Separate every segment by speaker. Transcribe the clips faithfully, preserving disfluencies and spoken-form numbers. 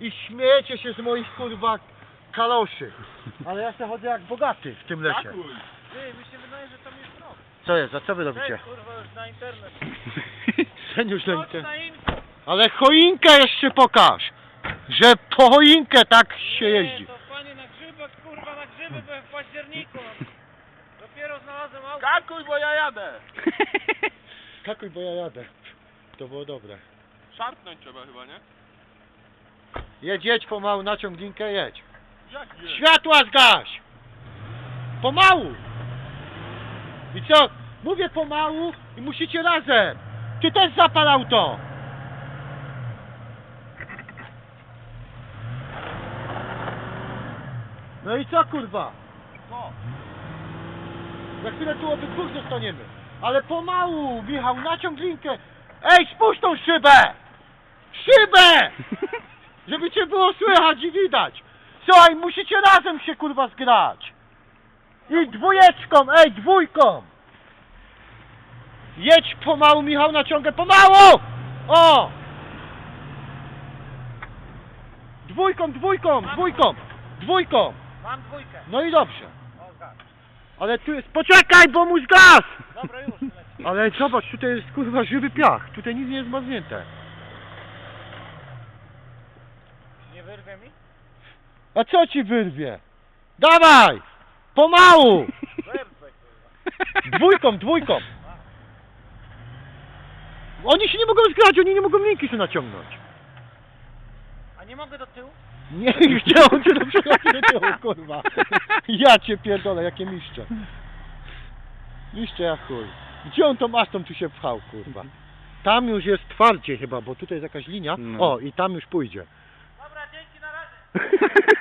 Speaker 1: i śmiejecie się z moich kurwa kaloszy. Ale ja się chodzę jak bogaty w tym lesie.
Speaker 2: Ty, mi się wydaje, że tam jest rok.
Speaker 1: Co jest? A co wy robicie?
Speaker 2: Weź, kurwa, już na internet.
Speaker 1: Seniusz na
Speaker 2: Chodź
Speaker 1: inter-
Speaker 2: na info.
Speaker 1: Ale choinkę jeszcze pokaż! Że po choinkę tak się jeździ.
Speaker 2: Nie, to panie na grzybach, kurwa, na grzyby byłem w październiku. Dopiero znalazłem auto.
Speaker 3: Skakuj, bo ja jadę!
Speaker 1: Skakuj, bo ja jadę. To było dobre.
Speaker 3: Szarpnąć trzeba chyba, nie?
Speaker 1: Jedź, jedź pomału, naciąg linkę, jedź.
Speaker 3: Jak nie?
Speaker 1: Światła zgaś! Pomału! I co? Mówię pomału i musicie razem! Ty też zapal auto! No i co kurwa?
Speaker 3: Co?
Speaker 1: Za chwilę tu obydwóch zostaniemy. Ale pomału, Michał, naciąg linkę. Ej, spuść tą szybę! Szybę! Żeby cię było słychać i widać. Słuchaj, musicie razem się kurwa zgrać. I dwójeczką, ej, dwójką. Jedź pomału, Michał, naciągę pomału! O! Dwójką, dwójką, dwójką, dwójką.
Speaker 2: Mam dwójkę.
Speaker 1: No i dobrze.
Speaker 2: O, gaz.
Speaker 1: Ale tu jest... Poczekaj, bo mój gaz!
Speaker 2: Dobra, już leci.
Speaker 1: Ale zobacz, tutaj jest kurwa żywy piach. Tutaj nic nie jest zmarznięte.
Speaker 2: Nie wyrwie mi?
Speaker 1: A co ci wyrwie? Dawaj! Pomału!
Speaker 2: Wyrwę, kurwa.
Speaker 1: Dwójką, dwójką. Oni się nie mogą zgrać, oni nie mogą linki się naciągnąć.
Speaker 2: A nie mogę do tyłu?
Speaker 1: Nie, chciałem cię do przechodzi do tyłu, kurwa. Ja cię pierdolę, jakie miszcze. Miszcze jak chuj. Gdzie on tą astą tu się pchał, kurwa? Tam już jest twardzie chyba, bo tutaj jest jakaś linia.
Speaker 4: No.
Speaker 1: O, i tam już pójdzie.
Speaker 2: Dobra, dzięki, na razie.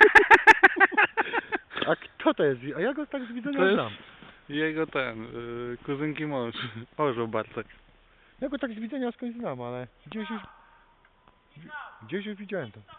Speaker 1: A kto to jest? A ja go tak z widzenia
Speaker 4: To jest
Speaker 1: znam.
Speaker 4: jego ten, y, kuzynki mąż, orzeł Bartek.
Speaker 1: Ja go tak z widzenia skądś znam, ale gdzieś już... Gdzieś już widziałem to.